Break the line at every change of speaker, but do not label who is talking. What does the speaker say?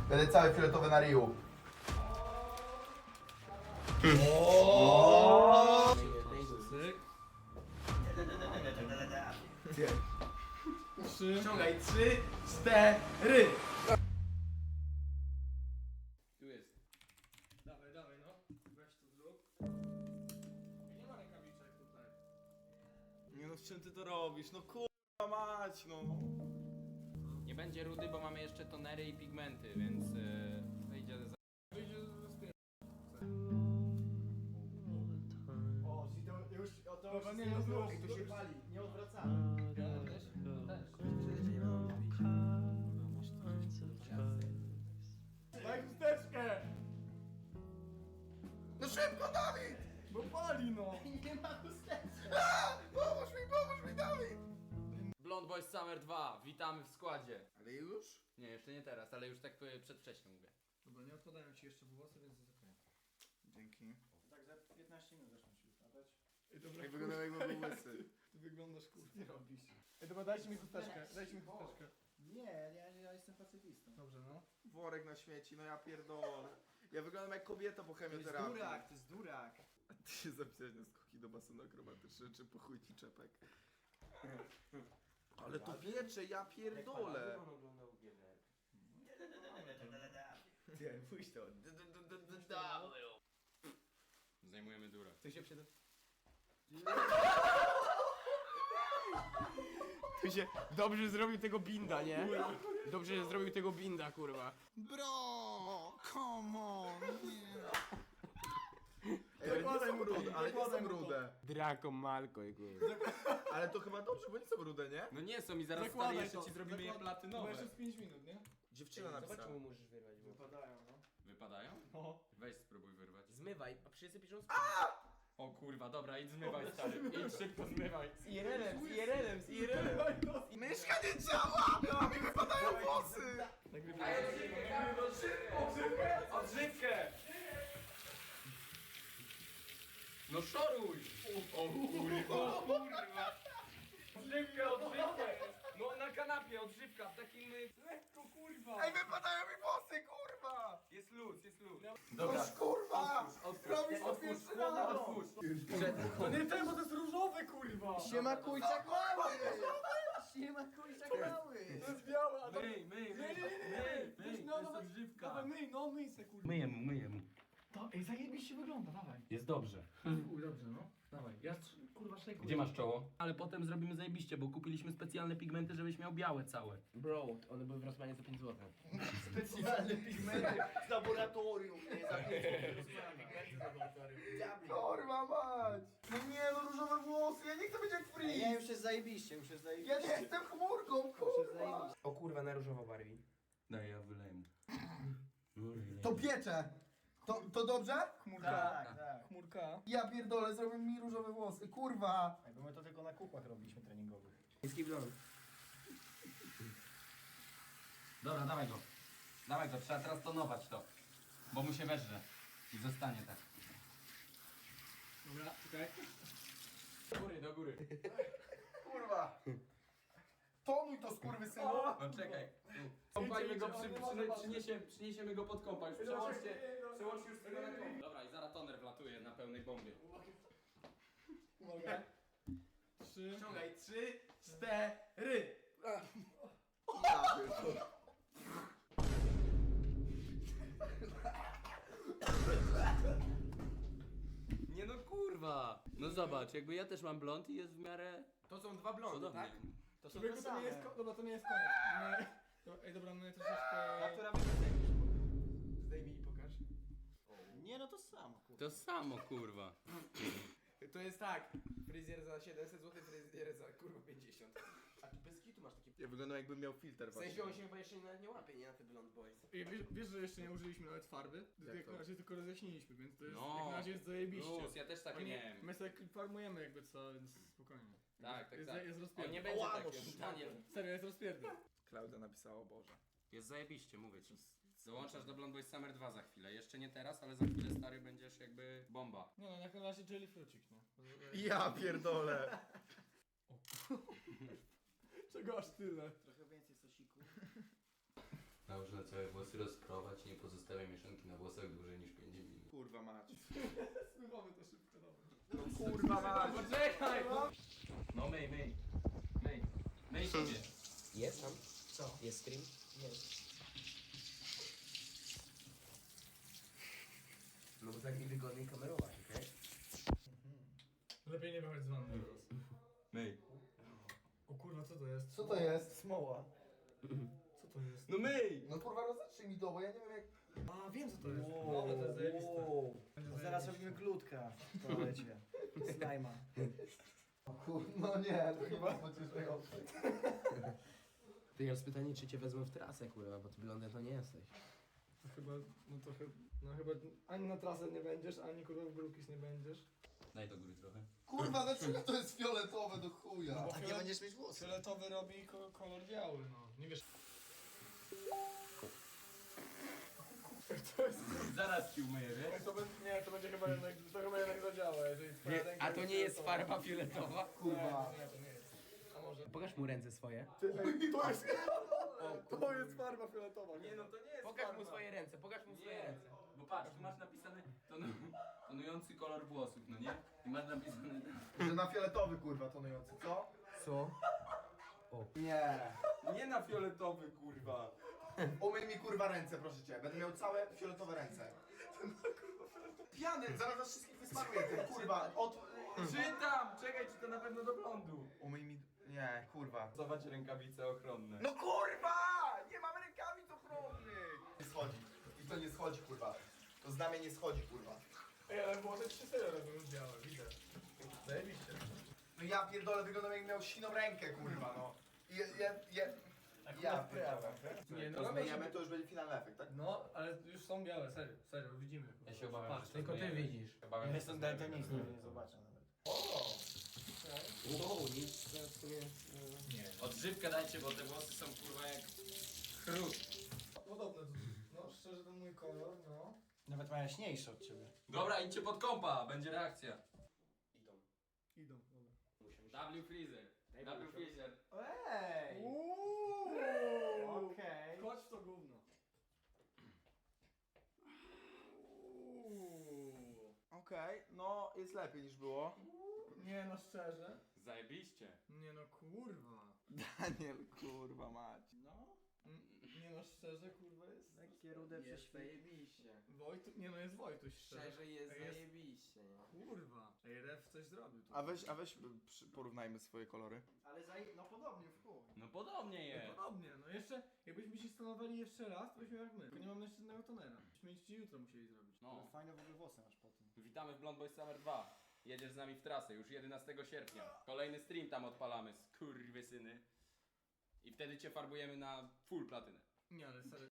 Będę cały fioletowy na ryju.
Ściągaj 3, 4.
Tu jest.
Dawaj, dawaj, no. Weź to zrób. Nie ma rękawiczek tutaj.
Nie no, z czym ty to robisz? No kurwa mać, no.
Nie będzie rudy, bo mamy jeszcze tonery i pigmenty, więc wyjdzie za...
Wyjdzie z pierwszego.
O, czyli to już, o to
Dobra,
już
nie,
nie,
no,
było,
już,
to się
już.
pali, nie odwracamy.
Ja też? To też.
Daj chusteczkę!
No szybko, Dawid!
Bo pali, no.
Nie ma chusteczki.
Pomóż mi, Dawid!
Blond Boys Summer 2, witamy w składzie.
Ale już?
Nie, jeszcze nie teraz, ale już tak przedwcześnie mówię.
Dobra, nie odpadają ci jeszcze włosy, więc jest okej.
Dzięki.
Tak za 15 minut zaczną się upadać.
Ej, dobra,
Jak wyglądał jakby był łysy.
ty wyglądasz kurwa. Ty robisz. Ej, dobra, dajcie mi chusteczkę, dajcie mi chusteczkę.
Nie, ja jestem pacyfistą.
Dobrze, no.
Worek na śmieci, no ja pierdolę. Ja wyglądam jak kobieta po
To jest
chemioterapii.
durak, to jest durak.
Ty się zapisałeś na skoki do basenu akrobatycznego, czy po chuj ci czepek? Ale to wiecze, ja pierdolę.
Nie, pójdź to.
Zajmujemy durę.
Tu się przed...
Tu się dobrze zrobił tego binda, nie? Dobrze, że zrobił tego binda, kurwa.
Bro, come on, nie. Ej, ale nie są rude, ale nie są rude.
Draco Malko, kurwa.
Ale to chyba dobrze, bo nie są rude, nie?
No nie są i zaraz
Zakładaj
stary jeszcze
to,
ci zrobimy je
To
platynowe.
jeszcze z 5 minut, nie?
Dziewczyna napisała.
możesz wyrwać.
Wypadają, no.
Wypadają?
No.
Weź spróbuj wyrwać.
Zmywaj, a wszyscy piszą z
O kurwa, dobra, idź zmywaj stary. Idź szybko zmywaj.
IRL-em, z IRL-em, z IRL-em.
Myszka nie działa! A mi wypadają włosy!
Odżywkę! No szoruj! O kurwa! Odżywkę, odżywkę! No na kanapie odżywka, w takim... Lekko kurwa!
Ej, wypadają mi włosy, kurwa!
Jest luz, jest luz.
Dobra, kurwa! Robisz to
Otwórz,
pierwszy raz!
otwórz!
To nie ten, bo to jest różowe, kurwa!
Siema kujczak mały! Siema kujczak mały!
To jest białe, a to...
Myj,
Nie,
to jest odżywka.
Dawaj, myj, no myj se, kurwa.
Myję mu.
To, ej, zajebiście wygląda, dawaj.
Jest dobrze.
Uj, dobrze, no. Dawaj, ja kurwa szejkuję.
Gdzie masz czoło? Ale potem zrobimy zajebiście, bo kupiliśmy specjalne pigmenty, żebyś miał białe całe.
Bro, one były w Rosmanie za 5 zł.
Specjalne pigmenty z laboratorium, nie za
Kurwa mać! No nie, no różowe włosy, ja nie chcę być jak
Nie,
Freeze!
już jest zajebiście, już jest
Ja
zajebiście.
nie jestem chmurką,
Już jest
kurwa!
zajebiście.
O kurwa, na różowo barwi.
Daj, ja wyleję mu.
To piecze! To dobrze?
Chmurka.
Tak, tak.
Chmurka.
Ja pierdolę, zrobił mi różowe włosy, kurwa!
Ej, bo my to tylko na kukłach robiliśmy treningowych.
Niski blond.
Dobra, dawaj go. Dawaj go, trzeba teraz tonować to. Bo mu się weżrze. I zostanie tak.
Dobra, czekaj.
Do góry, do góry.
Kurwa! Tonuj to, skurwysynu!
No czekaj. Kąpajmy go, przyniesiemy go pod kąpa. Już przełączcie już tego na kąp. Dobra, i zaraz toner wlatuje na pełnej bombie.
Uwaga. 3.
Ściągaj 3, 4.
Ja pierdolę.
Nie no kurwa. No zobacz, jakby ja też mam blond i jest w miarę
To są dwa blondy,
podobnie.
tak?
To są
Człowieku,
te
to nie jest,
same.
dobra, to nie jest koniec. Nie. Ej, dobra, my
A
troszeczkę...
która wygląda już? Zdejmij i pokaż.
Nie, no to samo, kurwa.
To samo kurwa.
To jest tak, fryzjer za 700 zł, fryzjer za kurwa 50. A tu bez kitu masz takie...
Ja wyglądam jakbym miał filtr
W sensie on się chyba jeszcze nawet nie łapie, nie na te blond boys.
Ej, wiesz, że jeszcze nie użyliśmy nawet farby? Jak
to?
na razie tylko rozjaśniliśmy, więc to jest,
No.
jak na razie jest zajebiście.
Plus, ja też tak
Oni-
miałem.
My sobie farmujemy jakby co, więc spokojnie.
Tak, tak,
jest,
tak.
Jest
On
rozpierdol.
nie będzie
Ała,
tak,
no
Daniel.
Serio, jest rozpierdol.
Klaudia napisała, o Boże.
Jest zajebiście, mówię ci. Dołączasz do Blond Boys Summer 2 za chwilę. Jeszcze nie teraz, ale za chwilę stary będziesz jakby bomba.
Nie no, jak na razie jelly frucik, nie?
Ja pierdolę!
Czego aż tyle?
Trochę więcej sosiku.
Dobrze, całe włosy rozprowadź.
Spływamy to szybko, dobra.
No kurwa mać.
Poczekaj! No myj siebie.
Jest tam?
Co?
Jest stream?
Jest.
No bo tak mi wygodniej kamerować, okej?
Lepiej nie wychodź z wanny teraz.
Myj.
O kurwa, co to jest?
Co to jest? Smoła.
Co to jest?
No myj!
No kurwa, rozetrzyj mi to, bo ja nie wiem jak...
A, wiem co to jest. No, ale to jest zajebiste. Będzie
Zaraz
zajebiście.
robimy klutka w toalecie. Slajma.
No nie, to chyba pocieszające.
Ty jest pytanie, czy cię wezmę w trasę, kurwa, bo ty blondem to nie jesteś.
To chyba, chyba ani na trasę nie będziesz, ani kurwa w grupis nie będziesz.
Daj do góry trochę.
Kurwa, dlaczego to jest fioletowe do chuja?
Bo
A nie będziesz mieć włosów.
Fioletowy robi kolor biały, no. Nie wiesz.
Zaraz ci umyję, wiesz?
To będzie chyba jednak, zadziała, jeżeli twoja ręka
A to nie jest
fioletowa.
farba fioletowa?
Kurwa.
Nie, to nie jest. A może?
Pokaż mu ręce swoje.
To jest farba fioletowa.
Nie no, to nie jest
Pokaż
farba.
mu swoje ręce, pokaż mu swoje
Nie,
ręce.
bo patrz, tu masz napisane tonujący kolor włosów, no nie? I masz napisane...
Że na fioletowy kurwa tonujący, co?
Co?
Nie.
Nie na fioletowy kurwa.
Umyj mi kurwa ręce, proszę cię. Będę miał całe fioletowe ręce. Pijany, zaraz was wszystkich wysmaruję tym, kurwa.
Czytam! Czekaj, czy to na pewno do blondu?
Umyj mi... Nie, kurwa.
Zobacz rękawice ochronne.
No kurwa! Nie mam rękawic ochronnych! Nie schodzi. I to nie schodzi, kurwa. To znamie nie schodzi, kurwa.
Ej, ale włosy 3 serio robią już białe, widzę. Zajebiście.
No ja pierdolę, wyglądam jak miał siną rękę, kurwa, no. Ja pierdolę.
Nie,
To zmieniamy, to już będzie finalny efekt, tak?
No, ale już są białe, serio, widzimy.
Ja się obawiam,
Patrz,
że
Tylko ty
zmyjemy.
widzisz.
Obawiam,
Ja
że
jestem
zmyjemy.
daltonistą, nie zobaczę nawet.
Wow, nic w sumie...
Nie.
Odżywkę dajcie, bo te włosy są kurwa jak chrust.
Podobne, no szczerze to mój kolor, no.
Nawet ma jaśniejszy od ciebie.
Dobra, idźcie pod kompa, będzie reakcja.
Idą, dobra.
W Freezer. W Freezer.
Ej! Okej.
Chodź w to gówno.
Okej, no jest lepiej niż było.
Nie no, szczerze.
Zajebiście.
Nie no, kurwa.
Daniel, kurwa mać.
No. Nie no, szczerze, kurwa jest.
Takie rude prześwity.
zajebiście.
Nie no, jest Wojtuś, szczerze.
Szczerze jest
Ej, jest-
zajebiście, nie?
Kurwa. Ej, Ref coś zrobił tu.
A weź porównajmy swoje kolory.
Ale no podobnie w chuj.
No podobnie jest.
Podobnie, no jeszcze, jakbyśmy się stanowali jeszcze raz, to byśmy jak my. Tylko nie mamy jeszcze jednego tonera. Byśmy ci jutro musieli zrobić.
No.
Ale fajne w ogóle włosy masz po tym.
Witamy w Blond Boys Summer 2. Jedziesz z nami w trasę już 11 sierpnia. Kolejny stream tam odpalamy, skurwysyny. I wtedy cię farbujemy na full platynę.
Nie, ale serio.